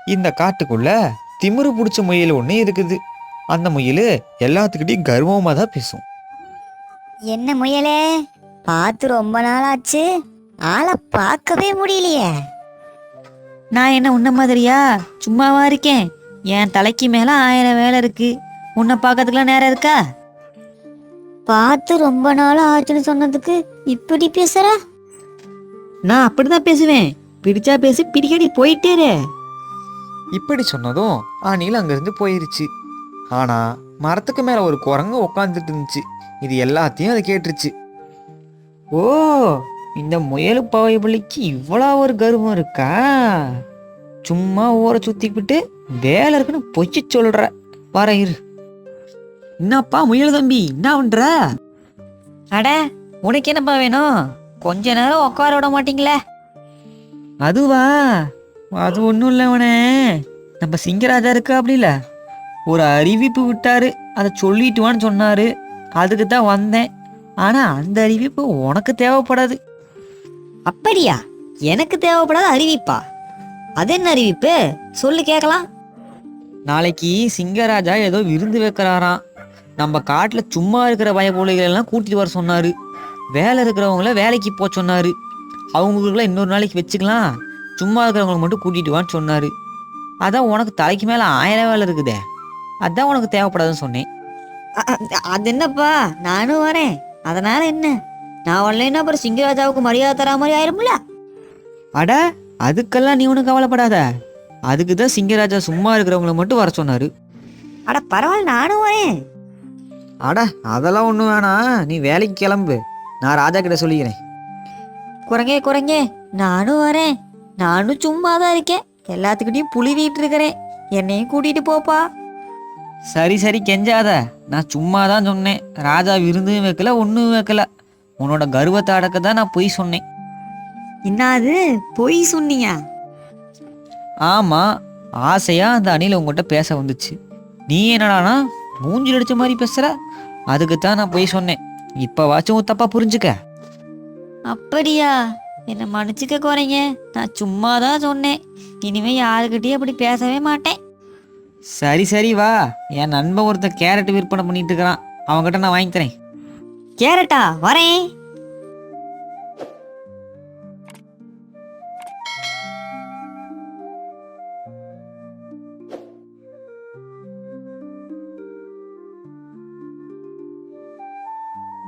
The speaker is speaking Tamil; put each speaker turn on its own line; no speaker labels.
இந்த காட்டுக்குள்ள திமிரு பிடிச்ச முயல் ஒன்று இருக்குது. அந்த முயல் எல்லாத்துக்கிட்டையும் கர்வமா தான் பேசும்.
என்ன முயலே, பார்த்து ரொம்ப நாள் ஆச்சு, ஆளை பார்க்கவே முடியலையே.
நான் என்ன உன்ன மாதிரியா சும்மாவா இருக்கேன்? என் தலைக்கு மேல 1000 வேலை இருக்கு. உன்னை பார்க்கறதுக்குலாம் நேரம் இருக்கா?
பார்த்து ரொம்ப நாள் ஆச்சுன்னு சொன்னதுக்கு இப்படி பேசுற?
நான் அப்படிதான் பேசுவேன். பிடிச்சா பேசி பிடிக்கடி போயிட்டேரு.
இப்படி சொன்னதும் அணில் அங்கிருந்து போயிருச்சு. ஆனா மரத்துக்கு மேல ஒரு குரங்கு உட்காந்துட்டு இருந்துச்சு. இது எல்லாத்தையும் அது கேட்டுருச்சு.
ஓ, இந்த முயலு பாவைபள்ளிக்கு இவ்வளோ ஒரு கர்வம் இருக்கா? சும்மா ஊரை சுத்திக்கிட்டு வேலை இருக்குன்னு பொய்ச்சி சொல்ற. வர இரு. என்னப்பா முயல் தம்பி, என்ன பண்ற? அட, உனக்கு என்னப்பா வேணும்? கொஞ்ச நேரம் உட்கார விட மாட்டீங்களே? அதுவா, அது ஒன்றும் இல்லை. உனே நம்ம சிங்கராஜா இருக்கா அப்படி இல்லை, ஒரு அறிவிப்பு விட்டாரு, அதை சொல்லிட்டுவான்னு சொன்னாரு. அதுக்கு தான் வந்தேன். ஆனா அந்த அறிவிப்பு உனக்கு தேவைப்படாது. அப்படியா? எனக்கு தேவைப்படாத அறிவிப்பா? அது என்ன அறிவிப்பு? சொல்லு கேட்கலாம். நாளைக்கு சிங்கராஜா ஏதோ விருந்து வைக்கிறாராம். நம்ம காட்டுல சும்மா இருக்கிற பயபோலிகள் எல்லாம் கூட்டிட்டு வர சொன்னாரு. வேலை இருக்கிறவங்கள வேலைக்கு போக சொன்னாரு. அவங்களுக்குலாம் இன்னொரு நாளைக்கு வச்சுக்கலாம், சும்மா இருக்கிறவங்களை மட்டும் கூட்டிட்டு வான்னு சொன்னாரு. அதான் உனக்கு தலைக்கு மேல 1000 வேலை இருக்குதே, அதான் உனக்கு தேவைப்படாதுன்னு சொன்னேன். அது என்னப்பா, நானும் வரேன். அதனால என்ன? நான் வரலைன்னா அப்புறம் சிங்கராஜாவுக்கு மரியாதை தரா மாதிரி ஆயிரும்ல. அட, அதுக்கெல்லாம் நீ ஒன்றும் கவலைப்படாத. அதுக்கு தான் சிங்கராஜா சும்மா இருக்கிறவங்கள மட்டும் வர சொன்னாரு. அட பரவாயில்ல, நானும் வரேன். அட, அதெல்லாம் ஒன்றும் வேணாம், நீ வேலைக்கு கிளம்பு. நான் ராஜா கிட்ட சொல்லிக்கிறேன். குரங்கே, நானும் வரேன். நானும் சும்மா தான் இருக்கேன், எல்லாத்துக்கிட்டையும் புழுவிட்டு இருக்கிறேன். என்னையும் கூட்டிட்டு போப்பா. சரி கெஞ்சாத. நான் சும்மா தான் சொன்னேன். ராஜா விருந்தும் வைக்கல, ஒன்றும் வைக்கல. உன்னோட கர்வத்தை அடக்க தான் நான் பொய் சொன்னேன். என்னது பொய் சொன்னியா? ஆமா, ஆசையா அந்த அணில உங்ககிட்ட பேச வந்துச்சு. நீ என்னடானா மூஞ்சில் அடிச்ச மாதிரி பேசுற. அதுக்கு தான் நான் பொய் சொன்னேன். இப்பவாச்சும் தப்பா புரிஞ்சுக்க. அப்படியா? என்ன மன்னிச்சுக்க குறைங்க, நான் சும்மா தான் சொன்னேன். இனிமே யாருக்கிட்டையும் அப்படி பேசவே மாட்டேன். சரி வா. என் நண்பன் ஒருத்தன் கேரட் விற்பனை பண்ணிட்டு இருக்கிறான், அவன்கிட்ட நான் வாங்கி தரேன். கேரட்டா? வரேன்.